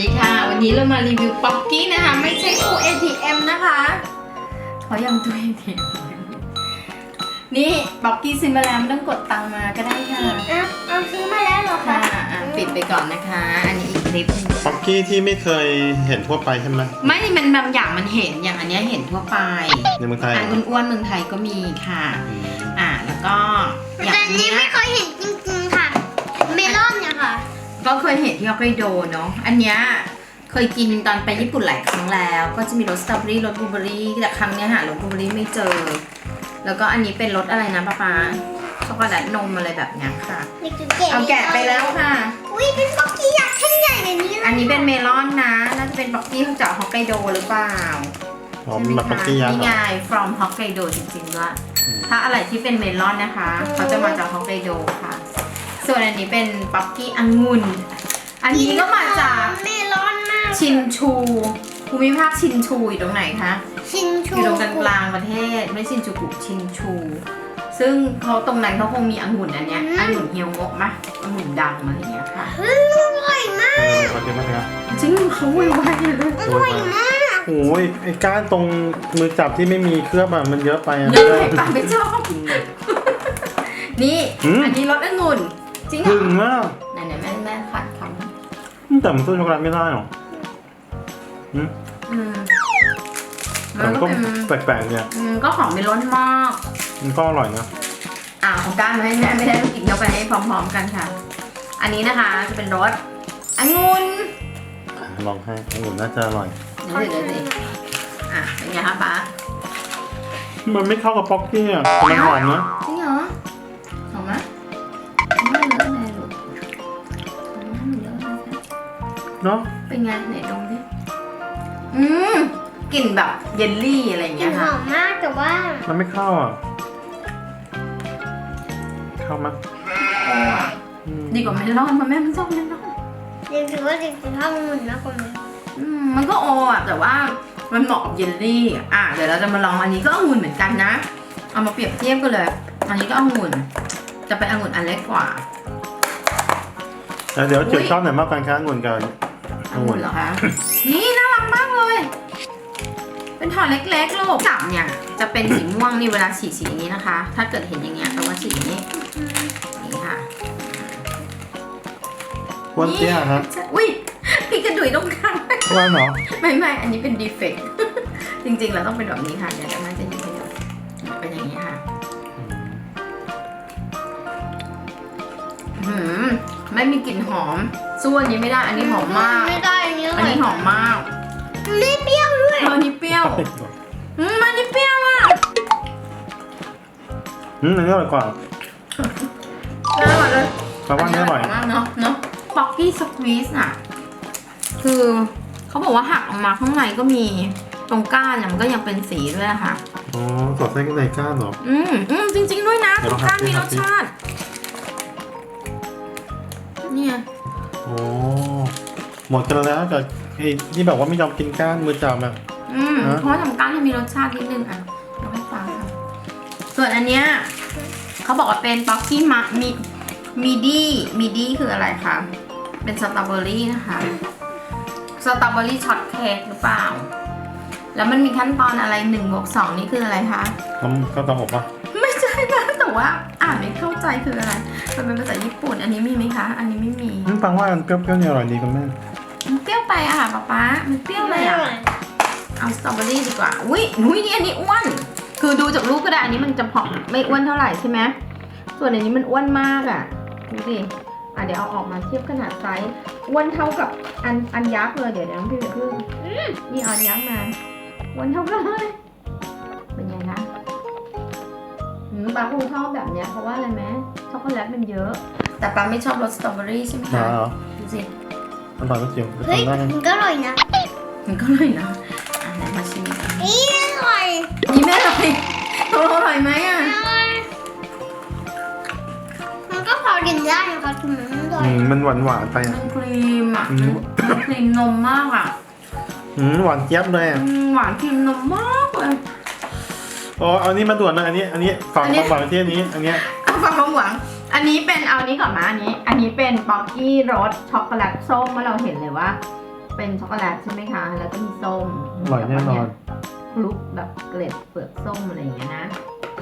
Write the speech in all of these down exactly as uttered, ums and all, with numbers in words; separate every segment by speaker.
Speaker 1: ดีค่ะวันนี้เรามารีวิวป๊อกกี้นะคะไม่ใช่ตู้ เอ ที เอ็ม นะคะขอยังตู้ เอ ที เอ็ม นี่ป๊อกกี้ซื้อมาแล้วไม่ต้องกดตังค์มาก็ได้ค่ะ
Speaker 2: อ่ะเอาซื้อมาแล้วเหรอ
Speaker 1: ค่ะ
Speaker 2: คะ
Speaker 1: อ่ะปิดไปก่อนนะคะ อันนี้อีกคลิปนึง
Speaker 3: ป๊อกกี้ที่ไม่เคยเห็นทั่วไปใช่ไหม
Speaker 1: ไม่มันบางอย่างมันเห็นอย่างอันเนี้ยเห็นทั่วไป
Speaker 3: ในเมืองไทยเหร
Speaker 1: อั
Speaker 3: อน
Speaker 1: อ้วนๆเมืองไทยก็มีค่ะ
Speaker 3: อืม
Speaker 1: อ่ะแล้วก็อย่าง
Speaker 2: แต่
Speaker 1: อัน
Speaker 2: นี้
Speaker 1: เนี้ย
Speaker 2: ไม่เคยเห็นจริงๆค่ะ เมลอนเนี่ยค่ะ
Speaker 1: ก็เคยเห็นที่ฮอกไกโดเนาะอันเนี้ยเคยกินตอนไปญี่ปุ่นหลายครั้งแล้ว ก็จะมีรสสตรอเบอรี่รสบลูเบอรี่แต่ครั้งเนี้ยหารสบลูเบอรี่ไม่เจอ แล้วก็อันนี้เป็นรสอะไรนะป๊าป๊าช็อกโกแลตนมอะไรแบบเนี้ยค่ะ
Speaker 2: เด็กจุดแกะ
Speaker 1: เอาแกะไปแล้วค่ะ
Speaker 2: อุ้ยเป็นป๊อกกี้ยักษ์แท่งใหญ่แบบนี้เลย
Speaker 1: อันนี้เป็นเมลอนนะ น่าจะเป็นป๊อกกี้จากฮอกไกโดหรือเปล่า
Speaker 3: อ๋อ
Speaker 1: ใช่ไหม
Speaker 3: แบบป๊อก
Speaker 1: คะ
Speaker 3: กี้ยักษ์
Speaker 1: นี่
Speaker 3: เหร
Speaker 1: ไง
Speaker 3: อ
Speaker 1: from ฮอกไกโดจริงๆด้วย
Speaker 3: อืม
Speaker 1: ถ้าอะไรที่เป็นเมลอนนะคะเขาจะมาจากฮอกไกโดค่ะ ส่วนอันนี้เป็นป๊อกกี้องุ่น อันนี้ก็มาจาก
Speaker 2: เมลอนมาก
Speaker 1: ชินชูภูมิภาคชินชูอยู่ตรงไหนคะ
Speaker 2: ชินชู
Speaker 1: อยู่ตรงกลางกลางๆประเทศไม่ชินจูกุชินชู ซึ่งเขาตรงนั้นเขาคงมีองุ่นอันเนี้ยองุ่นเฮียวงกมะองุ่นดังอะไรอย่างเงี้ยค่ะ
Speaker 2: อืมอร่อยมาก
Speaker 3: เออขอเก็บมาเถอะ
Speaker 1: จริงเขาไวไวเลย
Speaker 2: อร่อยมาก
Speaker 3: โอ้ยไอ้ก้านตรงมือจับที่ไม่มีเคลือบอะมันเยอะไปอะ
Speaker 1: เยอะไปปะไม่ชอบนี่
Speaker 3: อืม
Speaker 1: อันนี้รสองุ่นจริงเหร
Speaker 3: ถึ
Speaker 1: อง
Speaker 3: มาก
Speaker 1: ไหนไหนแม่แม่ขัดค
Speaker 3: แต่มันสู้ช็อกโกแลตไม่ได้หรออืม
Speaker 1: ำอืม
Speaker 3: แต่
Speaker 1: มัน
Speaker 3: มัน
Speaker 1: ก็
Speaker 3: ก็
Speaker 1: เป็น
Speaker 3: แปลกๆเนี่ย
Speaker 1: อืมก็ของเป็นรสมาก
Speaker 3: มันก็อร่อยนะ
Speaker 1: อ่าของก้านมาให้แม่ไม่ได้ต้องกินเข้าไปให้พร้อมๆกันค่ะ อันนี้นะคะจะเป็นรสองุ่น
Speaker 3: อ่ะลองให้องุ่นน่าจะอร่อย
Speaker 1: เดี๋ยวเดี๋ยวเดี๋ยวอ่ะเป็นไงคะป๊า
Speaker 3: มันไม่เข้ากับป๊อกกี้อะแต่มันหอมนะ
Speaker 1: จริงเหรอหอมไหมไม่เลอะเลยลูกไม่เลอะเลย
Speaker 3: เนาะ
Speaker 1: เป็นไงไหนดมดิอืมกลิ่นแบบเยลลี่อะไรอย่าง
Speaker 2: กลิ่
Speaker 1: เงี้
Speaker 2: น
Speaker 1: ย
Speaker 2: ห
Speaker 1: ค่ะ
Speaker 2: อมมากแต่ว่า
Speaker 3: มันไม่เข้าอ่ะเข้ามั้ย
Speaker 1: โอ้อะ
Speaker 3: อืม
Speaker 1: ดีกว่าเมลอนเพราะแม่ไม่ชอบเมลอน
Speaker 2: เด็กถือว่าเด็กจะชอบองุ่นมากกว่าไหม
Speaker 1: อืมมันก็โออ่ะแต่ว่ามันเหมาะกับเยลลี่อ่ะเดี๋ยวเราจะมาลองอันนี้ก็องุ่นเหมือนกันนะ เอามาเปรียบเทียบกันเลย อันนี้ก็องุ่นจะเป็นองุ่นอันเล็กกว่า
Speaker 3: แล้วเดี๋ยวเจ็บชอบไหนมากกันคะองุ่นกับ
Speaker 1: องุ่นเหรอคะ นี่น่ารักมากเลย เป็นถอดเล็กๆลูกจับเนี่ยจะเป็นสีม่วงนี่เวลาฉีดสีอย่างนี้นะคะ ถ้าเกิดเห็นอย่างเงี้ยแปลว่าฉีดอย่างนี้นี่ค่ะ
Speaker 3: อ้วนเตี้ยครับ
Speaker 1: อุ้ยพี่กระดุยตรงกลาง
Speaker 3: อ้วนเหรอ
Speaker 1: ไม่ไม่อันนี้เป็นดีเฟกต์ จริงๆเราต้องเป็นแบบนี้ค่ะเดี๋ยวแม่จะหยิบให้ดูเป็นอย่างนี้ค่ะหืมไม่มีกลิ่นหอมสู้อันนี้ไม่ได้ อันนี้หอมมาก
Speaker 2: ไม่ได้อันนี้อ
Speaker 1: อัน
Speaker 2: ร่อย
Speaker 1: นี้หอมมาก
Speaker 2: ไม่เปรี้ยวด้วย
Speaker 1: เอออันนี้เปรี้ยวอืมอันนี้เปรี้ยวอ่ะ
Speaker 3: อืมอันนี้อร่อยกว่า
Speaker 1: อร่อยเลย
Speaker 3: แปลว่าอันนี้อร่อย
Speaker 1: มากเนาะเนาะป๊อกกี้สควีสอ่ะคือเขาบอกว่าหักออกมาข้างในก็มีตรงก้านเนี่ยมันก็ยังเป็นสีด้วยอะค่ะ
Speaker 3: อ๋อสอดไส้ข้างในก้านเหรอ
Speaker 1: อืมอืมจริง ๆ ด้วยนะ
Speaker 3: เดี๋ยว
Speaker 1: ตร
Speaker 3: เรา
Speaker 1: งก้าน
Speaker 3: หักสิ
Speaker 1: มีร
Speaker 3: หั
Speaker 1: ส
Speaker 3: กสิ
Speaker 1: ชาติเนี่ย
Speaker 3: โอ้หมดกันแล้วกับไอ้ที่แบบว่าไม่ยอมกินก้านมือจับอะ
Speaker 1: อืม
Speaker 3: ฮะ
Speaker 1: เพราะว่าทำก้านให้มีรสชาตินิดนึงอ่ะเราให้ฟังค่ะส่วนอันเนี้ยเขาบอกว่าเป็นป๊อกกี้มะมีมีดี้มีดี้คืออะไรคะเป็นสตรอเบอรี่นะคะสตรอเบอรี่ช็อตเค้กหรือเปล่า แล้วมันมีขั้นตอนอะไรหนึ่งบวกสองนี่คืออะไรคะ
Speaker 3: น้ำก็ต้องอบปะ
Speaker 1: ไม่ใช่นะแต่ว่าอ่านไม่เข้าใจคืออะไรมันเป็นภาษาญี่ปุ่น อันนี้มีไหมคะ อันนี้ไม่มี
Speaker 3: อืมฟังว่าอันเปรี้ยวๆเนี่ยอร่อยดีคุณแม่
Speaker 1: มันเปรี้ยวไปอะค่ะป๊าป๊ามันเปรี้ยวเลยอะเอาสตรอเบอรี่ดีกว่า อุ้ยอุ้ยนี่อันนี้อ้วน คือดูจากรูปก็ได้ อันนี้มันจะผอมไม่อ้วนเท่าไหร่ใช่ไหมส่วนอันนี้มันอ้วนมากอะดูดิอ่ะเดี๋ยวเอาออกมาเทียบขนาดไซส์อ้วนเท่ากับอันอันยักษ์เลย เดี๋ยวเดี๋ยวน้องพี่เดี๋ยวพึ่งนี่เอาอันยักษ์มาอ้วนเท่ากันเลยเป็นไงคะอืมป๊าคงชอบแบบเนี้ยเพราะว่าอะไรไหมช็อกโกแลตมันเยอะ แต่ป๊าไม่ชอบรสสตรอเบอรี่ใช่ไหม
Speaker 3: มา
Speaker 1: คะ
Speaker 3: เหรอ
Speaker 1: ดูสิ
Speaker 3: อร่อยไม่จิ๋วไป
Speaker 2: เฮ้ย
Speaker 3: ทำได้
Speaker 2: มันก็อร่อยนะ
Speaker 1: มันก็เลยนะอ่ะไหนมาชิมกัน
Speaker 2: นี่อร่อย
Speaker 1: นี่แม่อร่อยตกลงอร่อยไหมอ่ะ
Speaker 2: อร่อยมันก็พอกินได้นะคะคุณมันอร่อย
Speaker 3: อืมมันหวานหวานๆไป
Speaker 1: มั
Speaker 3: อ่ะ
Speaker 1: นครีมอ่ะ
Speaker 3: อืม
Speaker 1: มันครีมนมมากอ่ะ
Speaker 3: อืมหวานเจี๊ยบเลยอ่ะ
Speaker 1: อืมหวานครีมนมมากเลย
Speaker 3: โอ้เอาอันนี้มาด่วนนะอันนี้ อันนี้ฝาก
Speaker 1: อันนี้
Speaker 3: ความหวังที่อันนี้ อันเนี้ย
Speaker 1: เอาฝากความหวัง อันนี้เป็นเอานี้ก่อนมาอันนี้ อันนี้เป็นป๊อกกี้รสช็อกโกแลตส้มเมื่อเราเห็นเลยว่าเป็นช็อกโกแลตใช่ไหมคะ แล้วก็มีส้ม
Speaker 3: อร่อยแน่นอน
Speaker 1: คลุกแบบเกล็ดเปลือกส้มอะไรอย่างเงี้ยนะ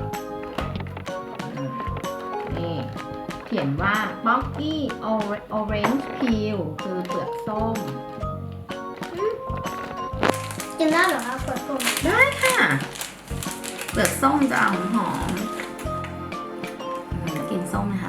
Speaker 1: อืมนี่เขียนว่า Pocky Orange Peel คือเปลือกส้ม
Speaker 2: กินได้เหรอคะเปิดตุ่ม
Speaker 1: ได้ค่ะ เปลือกส้มจะหอมหอมๆอืมกินส้มนะคะ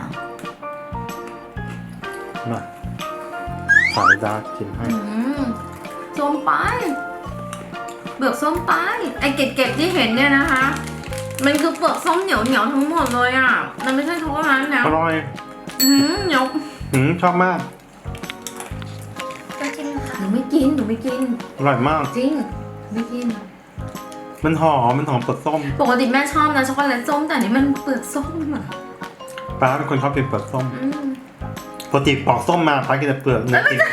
Speaker 3: มาสายดาร์กกินให้
Speaker 1: อืมส้มไปเปลือกส้มไปไอเก็บๆที่เห็นเนี่ยนะคะ มันคือเปลือกส้มเหนียวเหนียวๆทั้งหมดเลยอ่ะ มันไม่ใช่ช็อกโกแลตนะ
Speaker 3: อร่อย
Speaker 1: อืมเหนียว
Speaker 3: หืมชอบมาก
Speaker 2: จะชิมค่ะ
Speaker 1: หนูไม่กินหนูไม่กิน
Speaker 3: อร่อยมาก
Speaker 1: จริงไม่กิน
Speaker 3: มันหอมมันหอมเปลือกส้ม
Speaker 1: ปกติแม่ชอบนะช็อกโกแลตส้มแต่อันนี้มันเปลือกส้มอ่ะ
Speaker 3: ป้าเป็นคนชอบกินเปลือกส้ม
Speaker 1: อืม
Speaker 3: ปกติปอกส้มมาป้ากินแต่เปลือกเนี่ยกิน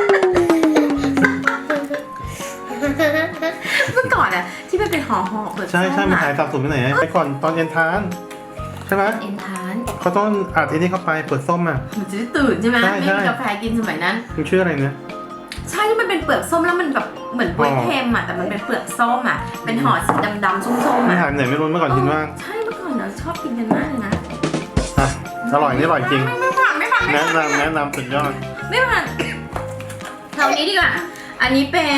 Speaker 1: เมื่อก่อนอะที่มันเป็นห่อห่อๆเปลือกส้
Speaker 3: ใช่
Speaker 1: ม
Speaker 3: ใช่มัน
Speaker 1: อะ
Speaker 3: หายสับสนไปไหนไปก่อนตอนเย็นทานใช่ไหม
Speaker 1: เอ็นทาน
Speaker 3: เขาต้องอัดไอ้นี่เข้าไปเปลือกส้มอ่ะ
Speaker 1: มันจะได้ตื่นใช่ไหม
Speaker 3: ใช่
Speaker 1: ไม่
Speaker 3: ใช่
Speaker 1: มีกาแฟกินสมัยนั้น
Speaker 3: มันชื่ออะไรเนี่ย
Speaker 1: ใช่ที่มันเป็นเปลือกส้มแล้วมันแบบเหมือนกล้วยเค็มอ่ะแต่มันเป็นเปลือกส้มอ่ะเป็นห่อสีดำๆส้มๆ
Speaker 3: ไม่
Speaker 1: อ่ะ
Speaker 3: หายไปไหนไม่รู้เมื่อก่อนกินมาก
Speaker 1: ใช่เมื่อก่อนเราชอบกินกันมากเลยนะ
Speaker 3: อ่ะอร่อยนี่อร่อยจริง
Speaker 1: ไม่ผ่านไม่ผ่านไม่
Speaker 3: แนะ
Speaker 1: ผ่าน
Speaker 3: นำแนะนำสุดยอด
Speaker 1: ไม่ผ่านเท่านี้ดีกว่าอันนี้เป็น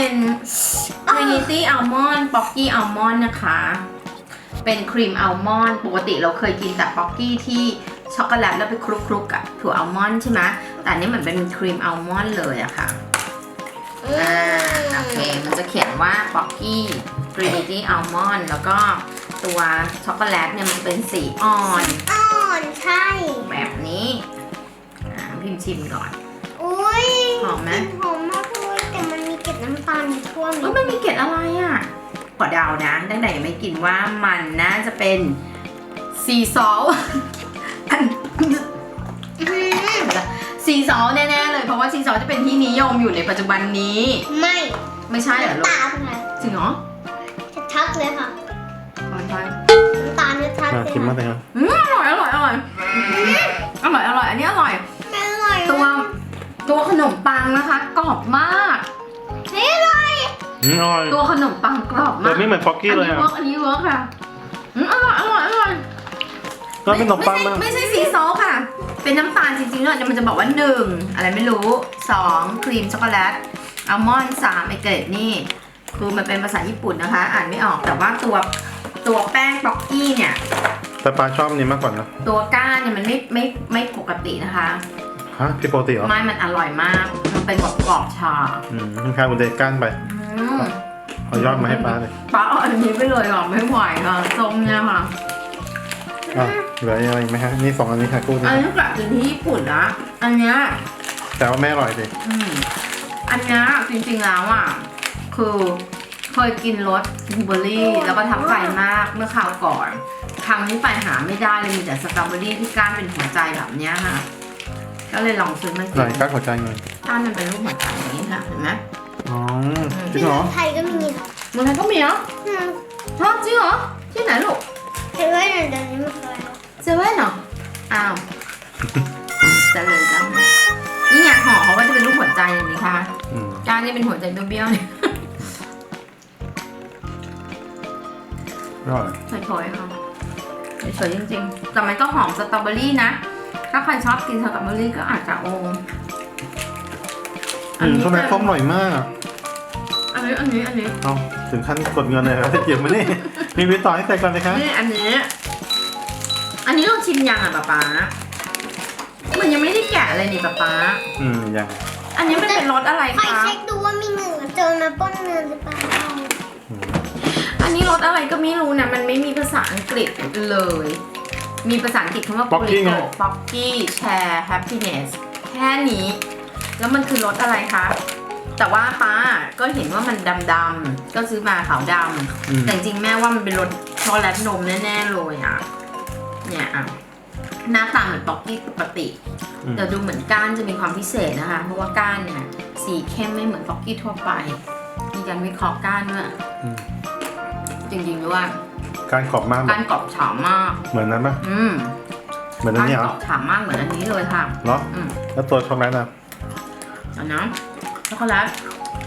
Speaker 1: Trinity Almond Pocky Almond นะคะ เป็นครีมอัลมอนด์ปกติเราเคยกินแต่ป๊อกกี้ที่ช็อกโกแลตแล้วไปคลุกๆกับถั่วอัลมอนด์ใช่ไหมแต่อันนี้เหมือนเป็นครีมอัลมอนด์เลยอะค่ะ อ่าโอเค มันจะเขียนว่า Pocky Trinity Almond แล้วก็ตัวช็อกโกแลตเนี่ยมันเป็นสีอ่อน
Speaker 2: อ่อนใช่
Speaker 1: แบบนี้อ่าพิมพ์ชิมก่อน
Speaker 2: อุ้ย
Speaker 1: หอมไหม
Speaker 2: กลิ่นหอมมากเลยแต่มันมีเกล็ดน้ำตาลอยู่ช่วง
Speaker 1: เอ้
Speaker 2: นี้
Speaker 1: ยมันมีเกล็ดอะไรอ่ะขอเดานะตั้งแต่ยังไม่กินว่ามันน่าจะเป็นซีซอลอัน
Speaker 2: อืม
Speaker 1: ซีซอลแน่ๆเลยเพราะว่าซีซอลจะเป็นที่นิยมอยู่ในปัจจุบันนี้
Speaker 2: ไม่
Speaker 1: ไม่ใช่เหรอลูก
Speaker 2: น้ำตาลค่ะ
Speaker 1: จริงเหรอ
Speaker 2: ชัดๆเลยค่ะ
Speaker 1: อ๋อใช่
Speaker 2: น้ำตาลชัดๆ
Speaker 3: มา
Speaker 2: เลย
Speaker 3: กินมา
Speaker 2: ค่ะ
Speaker 3: เลยครับ
Speaker 1: อืมอร่อยอร่อยอร่อยอร่อยอร่อยอันนี้อร่อย
Speaker 2: ไม่อร่อย
Speaker 1: ตัวตัวขนมปังนะคะกรอบมาก
Speaker 2: ไม่อร่อย
Speaker 3: อืมอร่อย
Speaker 1: ตัวขนมปังกรอบ
Speaker 3: แต่
Speaker 1: มาก
Speaker 3: ไม่เหมือนป๊อกกี้เลย
Speaker 1: อัน
Speaker 3: อ่ะ
Speaker 1: นี้เวิร์กอันนี้เวิร์กค่ะอืมอร่อยอร่อยอร่อย
Speaker 3: ก็เป็นขนมปัง
Speaker 1: ไม่
Speaker 3: มา
Speaker 1: ใช่ไม่ใช่ซีซอลค่ะ เป็นน้ำตาลจริงๆเลยมันจะบอกว่าหนึ่งอะไรไม่รู้สองครีมช็อกโกแลตอัลมอนด์สามไอเกรดนี่คือมันเป็นภาษาญี่ปุ่นนะคะ อ่านไม่ออกแต่ว่าตัวตัวแป้งป๊อกกี้เนี่ย
Speaker 3: แต่ปลาชอบอันนี้มากกว่านะ
Speaker 1: ตัวก้านเนี่ยมันไม่ไม่ไม่ปกตินะคะ
Speaker 3: ฮะพี่ปกติเหรอ
Speaker 1: ไม่มันอร่อยมาก มันเป็นแบบกรอบชา
Speaker 3: อืมมันคล้ายบุนเดก้านไป
Speaker 1: อืม
Speaker 3: เอายอดมาให้ป้าเลย
Speaker 1: ป้าเอาอันนี้ไปเลยหรอไม่ไหวค่ะส้มเนี่ยค่ะ
Speaker 3: อ่ะเหลืออะไรอีกไหมฮะนี่สองอันนี้ค่ะคู่นี้
Speaker 1: อันนี้กลับถึงที่ญี่ปุ่นละอันเนี้ย
Speaker 3: แต่ว่าแม่อร่อยดิ
Speaker 1: อืมอันเนี้ยจริงๆแล้วอ่ะคือเคยกินรสบลูเบอร์รี่แล้วก็ทับใจมากเมื่อคราวก่อนครั้งนี้ไปหาไม่ได้เลยมีแต่สตรอเบอรี่ที่ก้านเป็นหัวใจแบบเนี้ยค่ะ ก็เลยลองซื้อมา
Speaker 3: ไห
Speaker 1: กิ
Speaker 3: น
Speaker 1: น
Speaker 3: ก้านหัวใจไง
Speaker 1: ก้านมันเป็นรูปหัวใจอย่างนี้ค่ะเห็นไหม
Speaker 3: อ๋อจริ
Speaker 2: ที่
Speaker 3: งเหรอ
Speaker 2: ไทยก็มีค่ะ
Speaker 1: เมืองไทยก็มีเหรอ
Speaker 2: อืม
Speaker 1: ฮะจริงเหรอที่ไหนลูก
Speaker 2: เห็นว่าเดี๋ยวนี้ไม่เคยแล้ว
Speaker 1: เซเว่นเหรออ้าวจะเลยจ้านี่ไงห่อเขาก็จะเป็นรูปหัวใจอย่างนี้ค่ะ
Speaker 3: อืม
Speaker 1: ก้านนี่เป็นหัวใจเบี้ยวๆเนี่ย
Speaker 3: อร่อย
Speaker 1: เฉยๆค่ะเฉยๆจริงๆ แต่มันก็หอมสตรอเบอรี่นะ ถ้าใครชอบกินสตรอเบอรี่ก็อาจจะโอ
Speaker 3: อืมช็อกโกแลตส้มอร่อยมาก
Speaker 1: อันนี้อันนี้อันนี้
Speaker 3: เอาถึงขั้นกดเงินเลยครับเก็บมานี่มีวิตต่อให้ใส่ก่อนเลยครับ
Speaker 1: นี่อันนี้ อันนี้เราชิมยังอ่ะป๊าป๊ามันยังไม่ได้แกะเลยนี่ป๊าป๊า
Speaker 3: อืมยัง
Speaker 1: อันนี้มันเป็นรสอะไร
Speaker 2: ใคร
Speaker 1: คะ
Speaker 2: เช็คดูว่ามีเนื้อเจอมาป้นเนื้อหรือเปล่า
Speaker 3: อืม
Speaker 1: อันนี้รสอะไรก็ไม่รู้นะ มันไม่มีภาษาอังกฤษเลย มีภาษาอังกฤษคำว่า
Speaker 3: Pocky ไง
Speaker 1: Pocky Share Happiness แค่นี้ แล้วมันคือรสอะไรคะ แต่ว่าป้าก็เห็นว่ามันดำๆ ก็ซื้อมาขาวด
Speaker 3: อืม
Speaker 1: ำ แต่จริงๆแม่ว่ามันเป็นรสช็อกโกแลตนมแน่ๆเลยอ่ะ เนี่ยอ่ะ หน้าตาเหมือนป๊อกกี้ปกติ
Speaker 3: อืม
Speaker 1: แต่ดูเหมือนก้านจะมีความพิเศษนะคะ เพราะว่าก้านเนี่ยสีเข้มไม่เหมือนป๊อกกี้ทั่วไป มีการวิเคราะห์ก้านด้วย
Speaker 3: อืม
Speaker 1: จริงๆด้วย
Speaker 3: การขอบมาก
Speaker 1: ก้านกรอบฉ่ำมาก
Speaker 3: เหมือนนั้นปะ
Speaker 1: อืม
Speaker 3: เหมือนอัน
Speaker 1: ก้าน
Speaker 3: นี้เห
Speaker 1: ก
Speaker 3: ร
Speaker 1: ร
Speaker 3: อ
Speaker 1: อบฉ่ำมากเหมือนอันนี้เลยค่ะ
Speaker 3: เหรอ
Speaker 1: อืม
Speaker 3: แล้วตัวช็อกโกแลตอ่ะ
Speaker 1: เอานะช็อกโกแลต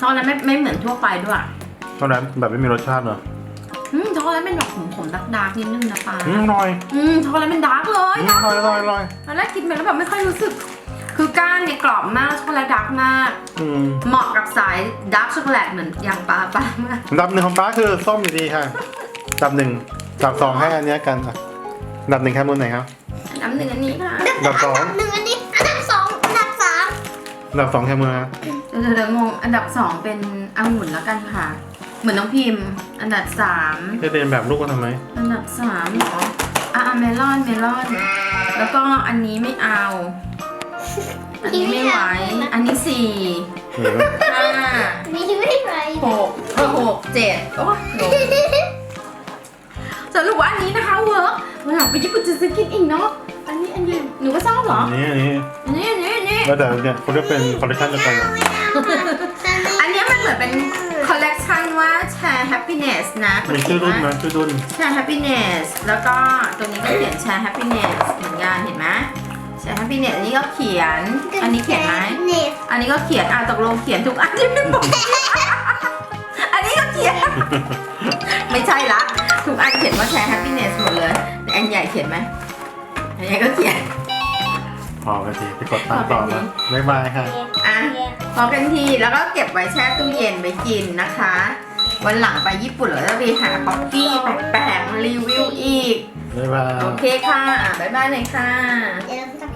Speaker 1: ช็อกโกแลตไม่ไม่เหมือนทั่วไปด้วย
Speaker 3: ตอนนั้นแบบไม่มีรสชาติเหรอ
Speaker 1: อืมช็อกโกแลตเป็นแบบขมๆดาร์กๆนิดนึงนะป๊า
Speaker 3: อืมอร่อย
Speaker 1: อืมช็อกโกแลตเป็นดาร์กเลย
Speaker 3: อืม
Speaker 1: ดา
Speaker 3: อ
Speaker 1: ร์ก
Speaker 3: ร่อยอร่อยอร่อย
Speaker 1: ตอนแรกกินไปแล้วแบบไม่ค่อยรู้สึก คือก้านเนี่ยกรอบมากช็อกโกแลตดาร์กมาก
Speaker 3: อืม
Speaker 1: เหมาะกับสายดาร์กช็อกโกแลตเหมือนอย่างปลาปลามาก
Speaker 3: อันดับหนึ่งของป้าคือส้มอยู่ดีค่ะอันดับหนึ่งอันดับสองให้อันเนี้ยกันอ่ะอันดับหนึ่งแค่มือไหนครับ
Speaker 1: อันดับหนึ่งอันนี้ค่ะ
Speaker 3: อันดับสอง
Speaker 2: หนึ่งอันนี้อันดับสองอันดับสาม
Speaker 3: อันดับสองแค่มือครับ
Speaker 1: เดี๋ยวเดี๋ยวงงอันดับสองเป็นองุ่นแล้วกันค่ะ เหมือนน้องพิมพ์ อันดับสาม
Speaker 3: จะเรียนแบบลูกก็ทำไม
Speaker 1: อันดับสามเหรออ่ะอ่ะเมลอนเมลอน แล้วก็อันนี้ไม่เอา อันนี้ไม่ไหว อันนี้สี่
Speaker 3: เออ
Speaker 1: ห้า
Speaker 2: มีไม่ไหว
Speaker 1: หกเออหกเจ็ดโอ้ยลงสรุปว่าอันนี้นะคะเวิร์กวันหลังไปญี่ปุ่นจะซื้อกินอีกเนาะ อันนี้อันนี้หนูก็ชอบเหรอ
Speaker 3: อันนี้อันนี้
Speaker 1: อันนี้อันนี้อันนี้
Speaker 3: แล้วแต่เนี่ยเขาจะเป็นคอลเลคชันเดียวกันอะ
Speaker 1: อันนี้มันเหมือนเป็นคอลเลกชันว่าแชร์ happiness นะ
Speaker 3: มีชื่อรุ่นไหมชื่อรุ่น
Speaker 1: แชร์ happiness แล้วก็ตัวนี้ก็เขียนแชร์ happiness เหมือนกันเห็นไหมแชร์ happiness อันนี้ก็เขียน อันนี้เขียนไหม
Speaker 2: เนี่ย
Speaker 1: อันนี้ก็เขียนอ่ะตกลงเขียนทุกอันที่ไม่บอกอันนี้ก็เขียน ไม่ใช่ละ ทุกอันเขียนว่าแชร์ happiness หมดเลยแต่อันใหญ่เขียนไหมอันใหญ่ก็เขียน
Speaker 3: พอกันทีไปกดตามต่อมาบ๊ายบายค่ะ
Speaker 1: อ่ะพอกันทีแล้วก็เก็บไว้แช่ตู้เย็นไว้กินนะคะ วันหลังไปญี่ปุ่นเราจะไปหาป๊อกกี้แปลกๆมารีวิวอีก
Speaker 3: บ๊ายบาย
Speaker 1: โอเคค่ะ บ๊ายบายเลยค่ะ
Speaker 2: เดี๋ยวเราจะ